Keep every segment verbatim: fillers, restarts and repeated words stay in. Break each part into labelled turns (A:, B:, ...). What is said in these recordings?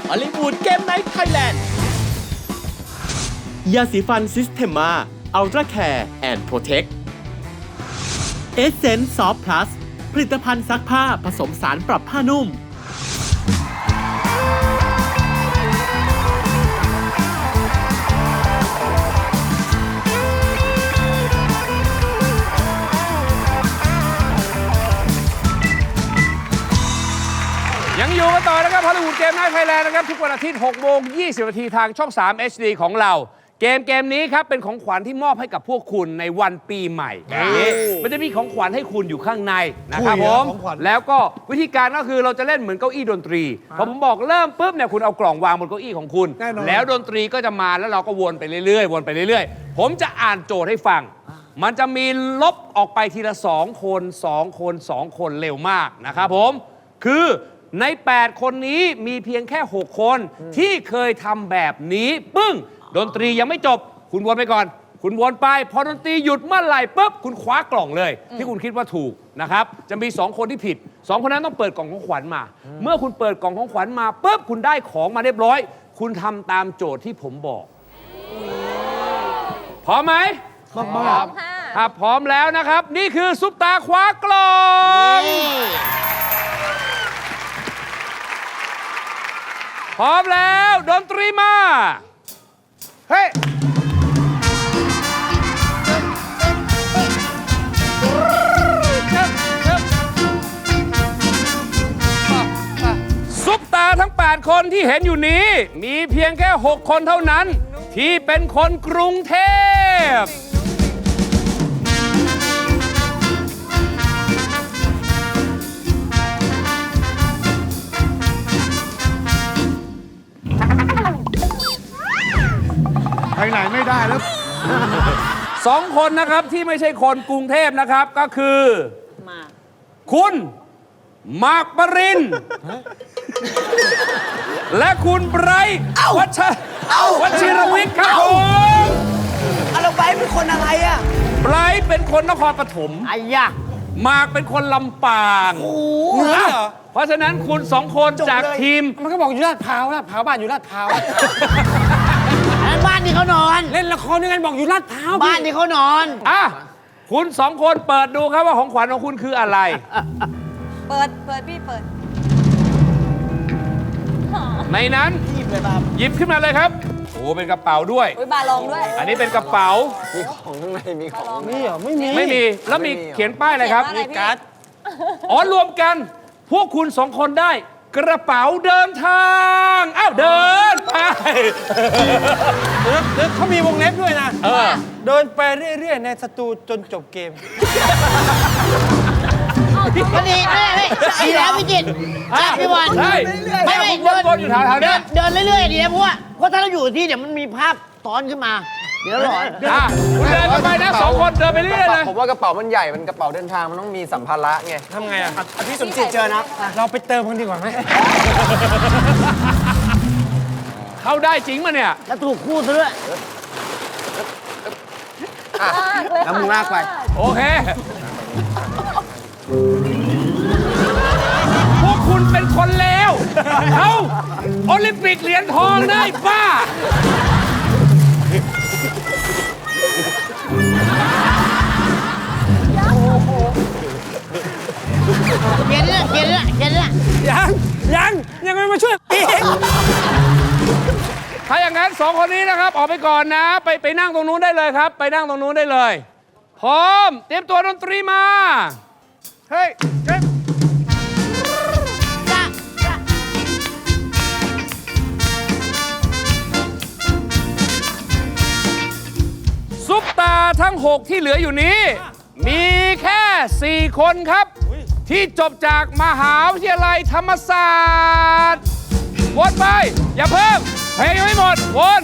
A: ฮอลลีวูดเกมไนท์ไทยแลนด์ยาสีฟันซิสเทมมาอัลตร้าแคร์แอนด์โปรเทคเอเซนส์ซอฟต์พลัสผลิตภัณฑ์ซักผ้าผสมสารปรับผ้านุ่ม
B: ยังอยู่กันต่อนะครับฮอลลีวูดเกมไนท์ไทยแลนด์นะครับทุกวันอาทิตย์หกโมงยี่สิบนาทีทางช่องสาม เอช ดี ของเราเกมเกมนี้ครับเป็นของขวัญที่มอบให้กับพวกคุณในวันปีใหม่นี้มันจะมีของขวัญให้คุณอยู่ข้างในนะครับผมแล้วก็วิธีการก็คือเราจะเล่นเหมือนเก้าอี้ดนตรีพอผมบอกเริ่มปุ๊บเนี่ยคุณเอากล่องวางบนเก้าอี้ของคุณแล้วดนตรีก็จะมาแล้วเราก็วนไปเรื่อยๆวนไปเรื่อยๆผมจะอ่านโจทย์ให้ฟังมันจะมีลบออกไปทีละสองคนสองคนสองคนเร็วมากนะครับผมคือในแปดคนนี้มีเพียงแค่หกคนที่เคยทำแบบนี้ปึ้งดนตรียังไม่จบคุณวนไปก่อนคุณวนไปพอดนตรีหยุดเมื่อไหร่ปุ๊บคุณคว้ากล่องเลยที่คุณคิดว่าถูกนะครับจะมีสองคนที่ผิดสองคนนั้นต้องเปิดกล่องของขวัญมาเมื่อคุณเปิดกล่องของขวัญมาปุ๊บคุณได้ของมาเรียบร้อยคุณทำตามโจทย์ที่ผมบอกพร้อมไหมพร้อมถ้าพร้อมแล้วนะครับนี่คือซุปตาคว้ากล่องพร้อมแล้วดนตรีมาเฮ้ยซุปตาทั้งแปดคนที่เห็นอยู่นี้มีเพียงแค่หกคนเท่านั้นที่เป็นคนกรุงเทพ
C: ไปไหนไม่ได้แล้ว
B: สองคนนะครับที่ไม่ใช่คนกรุงเทพนะครับก็คือคุณมาร์คปรินและคุณไบรท์วัชวัชิรวิทย์ครับผม
D: เราไบรท์เป็นคนอะไรอะ
B: ไบรท์เป็นคนนครปฐม
D: ไอ้ยะ
B: มาร์คเป็นคนลำปางเหนือเหรอเพราะฉะนั้นคุณสองคนจากทีม
C: มันก็บอกอยู่ลาดพร้าวลาดพร้าวบ้านอยู่ลาดพร้าว
D: บ้านที่เขานอน
C: เล่นละครยังไงบอกอยู่ลาดพร้าว
D: บ้านที่เขานอน
B: อ่ะคุณสองคนเปิดดูครับว่าของขวัญของคุณคืออะไร
E: เปิดเปิดพี่เปิด
B: ในนั้นหยิบขึ้นมาเลยครับโอ้เป็นกระเป๋าด้วย
E: บาลองด้วย
B: อันนี้เป็นกระเป๋า
C: มีของข้างในมีของนี่เหรอไม่มี
B: ไม่มีแล้วมีเขียนป้ายอะไรครับ
E: มีการ์ด
B: อ๋อรวมกันพวกคุณสองคนได้กระเป๋าเดินทางอ้าวเดินไป
C: เขามีวงเล็บด้วยนะ
B: เออ
C: เดินไปเรื่อยๆในสตูจนจบเกม
D: ก็ดีไม่ไม่ดีแล้วพี่จิตพี่บอล
B: ใช่
D: ไม่ไม่
B: เดินวนอยู่แถวๆนี้
D: เดินเรื่อยๆดีนะเพราะว่าเพราะถ้าเราอยู่ที่เดี๋ยวมันมีภาพซ้อนขึ้นมาเดี๋ยวหลอน
B: อ่ะคุณเดินไปนะสองคนเดินไปเรื่อยเลย
F: ผมว่ากระเป๋ามันใหญ่มันกระเป๋าเดินทางมันต้องมีสัมภาระไง
C: ทำไงอ่ะ
F: พี่สมจิตเจอนะ
C: เราไปเติมกันดีกว่าไหม
B: เข้าได้จริงมาเนี่ย
D: แล้วถูกคู่ซะด้วย
F: แล้วมึงลากไป
B: โอเคพวกคุณเป็นคนเลวเขาโอลิมปิกเหรียญทองได้บ้า
D: เขียนเลยเขียนเลยเขียนเลย
C: ยังยังยังไม่มาช่วยอีก
B: ถ้าอย่างนั้นสองคนนี้นะครับออกไปก่อนนะไปไปนั่งตรงนู้นได้เลยครับไปนั่งตรงนู้นได้เลยพร้อมเตรียมตัวดนตรีมาเฮ้ยซุปตาทั้งหกที่เหลืออยู่นี้มีแค่สี่คนครับที่จบจากมหาวิทยาลัยธรรมศาสตร์วนไปอย่าเพิ่มเพลงยังไม่หมดวน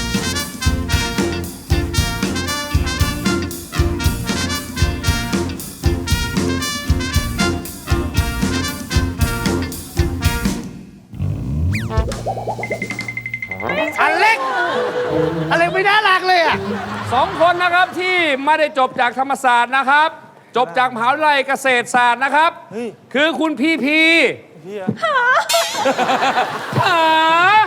B: อเล็กอเล็กไม่น่ารักเลยอ่ะสองคนนะครับที่ไม่ได้จบจากธรรมศาสตร์นะครับจบจากมหาวิทยาลัยเกษตรศาสตร์นะครับคือคุณพีพีหาย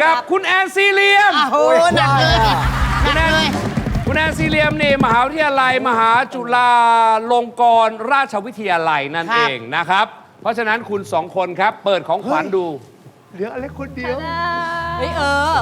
B: กับคุณแอนซีเรียม
D: โอ้โหหนักเลยหนั
B: คุ
D: ก
B: ณแอน
D: เลย
B: คุณแอนซีเรียมนี่มหาวิทยาลัย มหาจุฬาลงกรณราชวิทยาลัยนั่นเองนะครับ เพราะฉะนั้นคุณสองคนครับ เปิดของขวัญดู
E: เฮ้ยเออ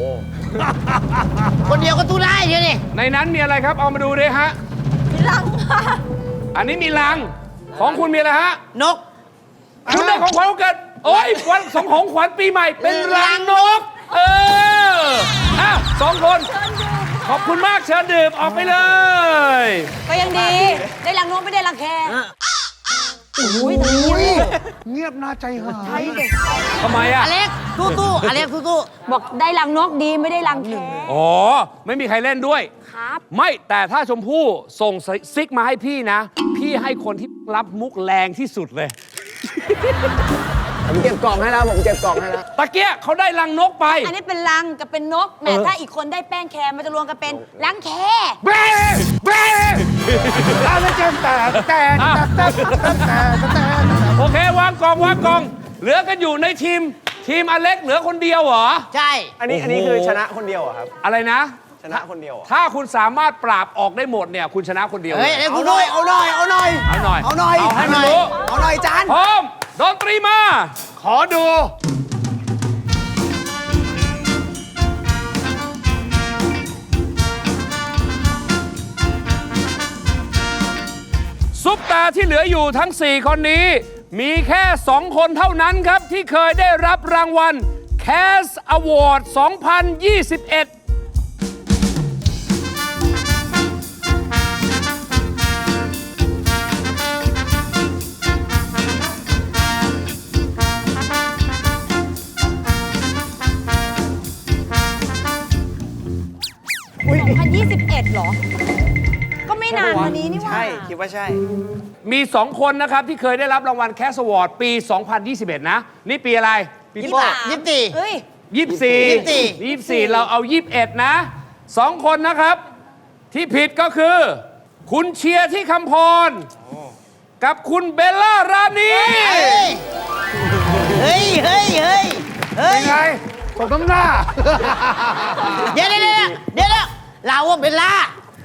D: คนเดียวก็ตู้ได้เดียวนี่
B: ในนั้นมีอะไรครับเอามาดูด้วยฮะ
E: มีลังค่ะ
B: อันนี้มีลังของคุณมีอะไรฮะ
D: นก
B: คุณได้ของขวัญวันเกิดโอ้ยวันสองของขวัญปีใหม่เป็นรังนก เอออ้าวสองคน ขอบคุณมากเชิญดื่มออกไปเลย
E: ก็ยังดี ได้ลังนกไม่ได้ลังแคอุ้ย
C: เงียบน่าใจหาย
B: ทำไมอ่ะ
D: อเล็กตู้ตู้อเล็กตู้ตู้
E: บอกได้ลังนกดีไม่ได้ลังแค
B: อ๋อ ไม่มีใครเล่นด้วย
E: ครับ
B: ไม่แต่ถ้าชมพู่ส่งซิกมาให้พี่นะ พี่ให้คนที่รับมุกแรงที่สุดเลย
F: ผมเก็บกล่องให้แล้ว ผมเก็บกล่องให้แล้ว
B: ตะเกียะเขาได้รังนกไป
E: อันนี้เป็นลังกับเป็นนกแหมถ้าอีกคนได้แป้งแคมันจะรวมกันเป็นลังแค
B: เบ้เบ้โอเควางกล่องวางกล่อง เหลือกันอยู่ในทีม ทีมอเล็กเหลือคนเดียวเหรอ
D: ใช่
F: อันนี้ อันนี้คือชนะคนเดียวเหรอครับ
B: อะไรนะ
F: ชนะคนเดียวเหรอ
B: ถ้าคุณสามารถปราบออกได้หมดเนี่ย คุณชนะคนเดียว
D: เฮ้ย
B: เลย
D: เล็ก
F: เอา
D: ตู้
F: หน่
D: ตู้
F: อย เอาหน่อย เอาหน่อย
B: เอาหน่อย
F: เอาหน่อย
B: เอาให้มันรู้
F: เอาหน่อยจาน
B: พร้อมดนตรีมา
C: ขอดู
B: ซุปตาที่เหลืออยู่ทั้ง สี่ คนนี้ มีแค่ สอง คนเท่านั้นครับ ที่เคยได้รับรางวัล Cast Award สองพันยี่สิบเอ็ด
E: สองพันยี่สิบเอ็ดเหรอ ก็ไม่นานมานี้นี่หว่า
F: ใช่ คิดว่าใช่
B: มี สอง คนนะครับ ที่เคยได้รับรางวัล Cast Award ปี สองพันยี่สิบเอ็ด นะ นี่ปีอะไร ปี
D: ยี่
B: โป้
D: สิบยี่สิบสี่
E: เอ้ย
B: ยี่สิบสี่
D: ยี่สิบสี่
B: ยี่สิบสี่เราเอายี่สิบเอ็ดนะสองคนนะครับ ที่ผิดก็คือ คุณเชียร์ที่คำพร กับคุณเบลล่ารานี
D: เฮ้ย เฮ้ย เฮ้ย เฮ้ย
C: ไงตกน้ำหน้า
D: เดี๋ยวเดี๋ยวเดี๋ยวเดี๋ยวเดี๋ยวเราว่าเบลล่า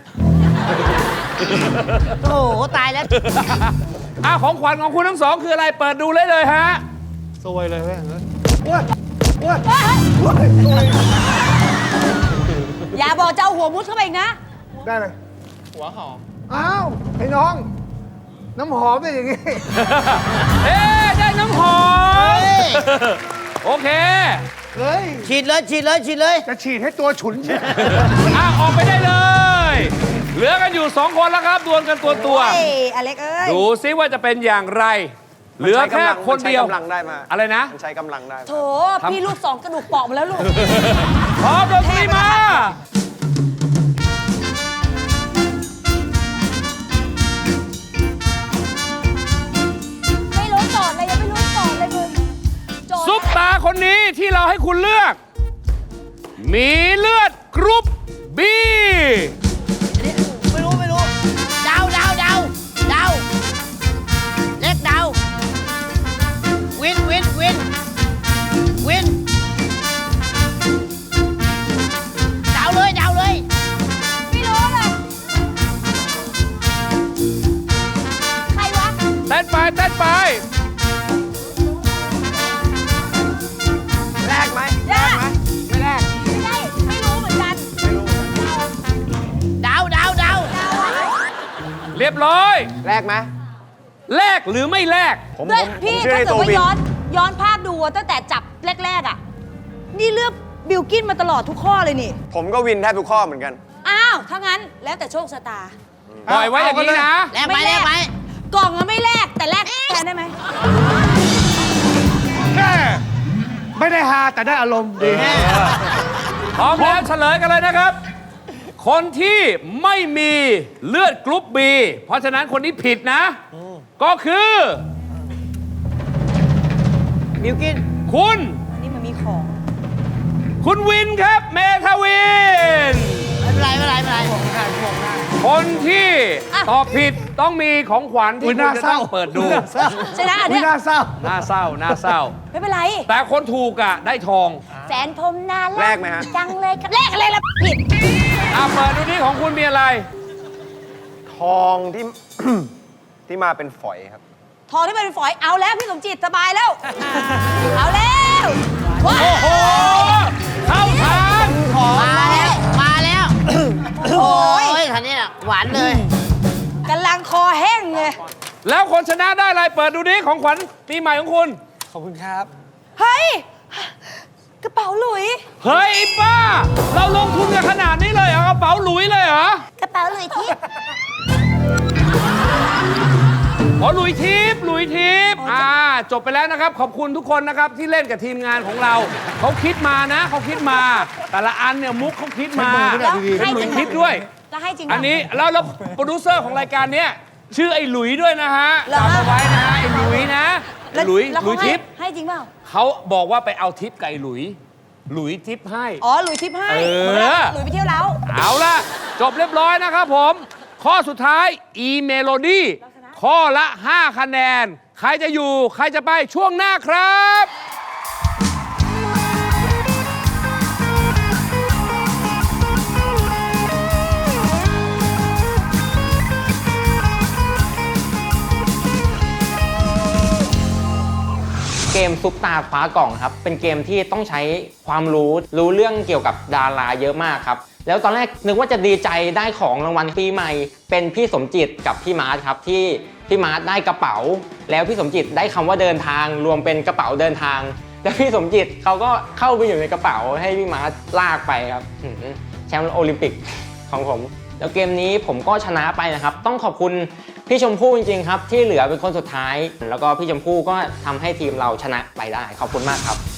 D: โอ้โห ตายแล้ว
B: อ่ะของขวัญของคุณทั้งสองคืออะไรเปิดดูเลยเลยฮะ
C: สวยเลยเว้ย
E: อย่าบอกจะเอาหัวมุดเข้าไปอีกนะ
C: ได้เลย หัวหอม อ้าว ไอ้น้อง น้ำหอมเป็นอย่างงี้
B: เอ๊ะได้น้ำหอม
D: เฮ้ย
B: โอเค
C: เฮ้ย
D: ฉีดเลย ฉีดเลย ฉีดเลย
C: จะฉีดให้ตัวฉุนใช่
B: อ่ะออกไปได้เลย เหลือกันอยู่สองคนแล้วครับดวลกันตัวตัว
E: เอ้ยอเล็กเอ้ย
B: ดูซิว่าจะเป็นอย่างไร เหลือแค่คนเดียว
F: มันใช้กำลังได้มา
B: อะไรนะ
F: มันใช้กำลังได้
E: โถ พี่ลูกสองกระดูกเปราะหมาแล้วลูก
B: พร้อมดนตรีมา
E: ไม่รู้โจทย์เลยยังไม่รู้โจทย์เลยมึงโจทย์
B: ซุปตาคนนี้ที่เราให้คุณเลือก มีเลือดกรุ๊ปบี
D: ไม่รู้ ไม่รู้ เดาเดาเดาเดาเล็กเดาวิน วิน วิน วิน เดาเลย เดาเลย
E: ไม่รู้เลย ใครวะ
B: เต้นไปเต้นไป
F: แรกไหม
E: แรก
F: ไม่แรก
E: ไม่ได้ ไม่รู้เหมือนกัน
D: เดาเดาเดา
B: เรียบร้อย
F: แรกไหม
B: แลกหรือไม่แลก
F: ผม
E: ด้วย
F: ผม
E: พี่
F: ผมเชื่อ
E: ถ้า
F: ใน
E: เกิด
F: ตัว
E: ว่า
F: วิน
E: ย้อนย้อนภาพดูอะตั้งแต่จับแรก ๆ อ่ะ นี่เลือกบิลกินมาตลอดทุกข้อเลยนี่
F: ผมก็วินแทบทุกข้อเหมือนกัน
E: อ้าว ถ้างั้นแล้วแต่โชคชะตา
B: ปล่อยไว้อย่างนี้นะ
D: แลกไหมแลกไหม
E: กล่องอะไม่แลกแต่แลกแทนได้ไหม
C: แค่ไม่ได้ฮาแต่ได้อารมณ์ดี
B: พร้อมแล้วเฉลยกันเลยนะครับ คนที่ไม่มีเลือดกรุ๊ปบีเพราะฉะนั้นคนนี้ผิดนะ ก็คือ
D: บิวกิน
B: คุณ
E: อันนี้มันมีของ
B: คุณวินครับ เมทาวิน
D: ไม่เป็นไรไม่เป็นไรไม่เป็นไร
B: คนที่ตอบผิดต้องมีของขวัญที่
C: อุ๊
B: คุ
C: ย
B: ณ
C: น่า
B: จะ
C: เศร้า
B: ต้องเปิดดู
C: น่าเศร้า
E: ชนะอัน
C: อุ๊
E: เนี้
C: ย
E: ย
C: น่าเศร้า
B: น่าเศร้าน่าเศร้า
E: ไม่เป็นไร
B: แต่คนถูกอ่ะได้ทอง
E: แฟนผมน่า
F: แล
E: รั
F: กไหมฮะ
E: จังเลยครับแลกอะไรล่ะผิด
B: อ่ะเปิดดูนี่ของคุณมีอะไร
F: ทองที่ ที่มาเป็นฝอยครับ
E: ทองที่เป็นฝอยเอาแล้วพี่สมจิตสบายแล้ว เอาแล้วว้า
B: โอ้โห เข้าทาง
D: มาแล้ว มาแล้ว โอ้ยคันนี้น่ะหวานเลย
E: กำลังคอแห้งเลย
B: แล้วคนชนะได้อะไร เปิดดูนี่ของขวัญปีใหม่ของคุณ
C: ขอบคุณครับ
E: เฮ้ย กระเป๋าหลุย
B: เฮ้ยไอ้ป้า เราลงทุนกันขนาดนี้เลยเหรอกระเป๋าหลุยเลยเหรอ
E: กระเป๋าหลุยทิพย์
B: อ๋อหลุยทิพย์หลุยทิพย์อ่า จบไปแล้วนะครับ ขอบคุณทุกคนนะครับที่เล่นกับทีมงานของเรา เขาคิดมานะเขาคิดมา แต่ละอันเนี่ยมุกเขาคิดมา
E: แล้ว
B: เป็นหลุยทิพย์ด้วย
E: แล้วให้จริงปะ
B: อันนี้แล้วแล้วโปรดิวเซอร์ของรายการเนี้ยชื่อไอ้หลุยด้วยนะฮะ
E: เหรอ
B: จำเอาไว้นะฮะไอ้หลุยนะไอ้หลุย
E: แล้ว
B: หลุย
E: เขาให้
B: ทิพย์
E: ให้จริงเปล่า
B: เขาบอกว่าไปเอาทิปกับไอ้หลุย หลุยทิปให้
E: อ๋อ หลุยทิพย์ให้
B: เออ
E: หมืนกับหลุยไปเที่ยวแล้ว
B: เอาล่ะ จบเรียบร้อยนะครับผม ข้อสุดท้าย อีเมโลดี้ข้อละ ห้า คะแนน ใครจะอยู่ ใครจะไปช่วงหน้าครับ
G: เกมซุปตาคว้ากล่องครับเป็นเกมที่ต้องใช้ความรู้รู้เรื่องเกี่ยวกับดาราเยอะมากครับแล้วตอนแรกนึกว่าจะดีใจได้ของรางวัลปีใหม่เป็นพี่สมจิตกับพี่มาร์ทครับที่พี่มาร์ทได้กระเป๋า แล้วพี่สมจิตได้คำว่าเดินทางรวมเป็นกระเป๋าเดินทางแล้วพี่สมจิตเขาก็เข้าไปอยู่ในกระเป๋าให้พี่มาร์ทลากไปครับหือแชมป์โอลิมปิกของผมแล้วเกมนี้ผมก็ชนะไปนะครับต้องขอบคุณพี่ชมพู่จริงๆครับที่เหลือเป็นคนสุดท้ายแล้วก็พี่ชมพู่ก็ทำให้ทีมเราชนะไปได้ขอบคุณมากครับ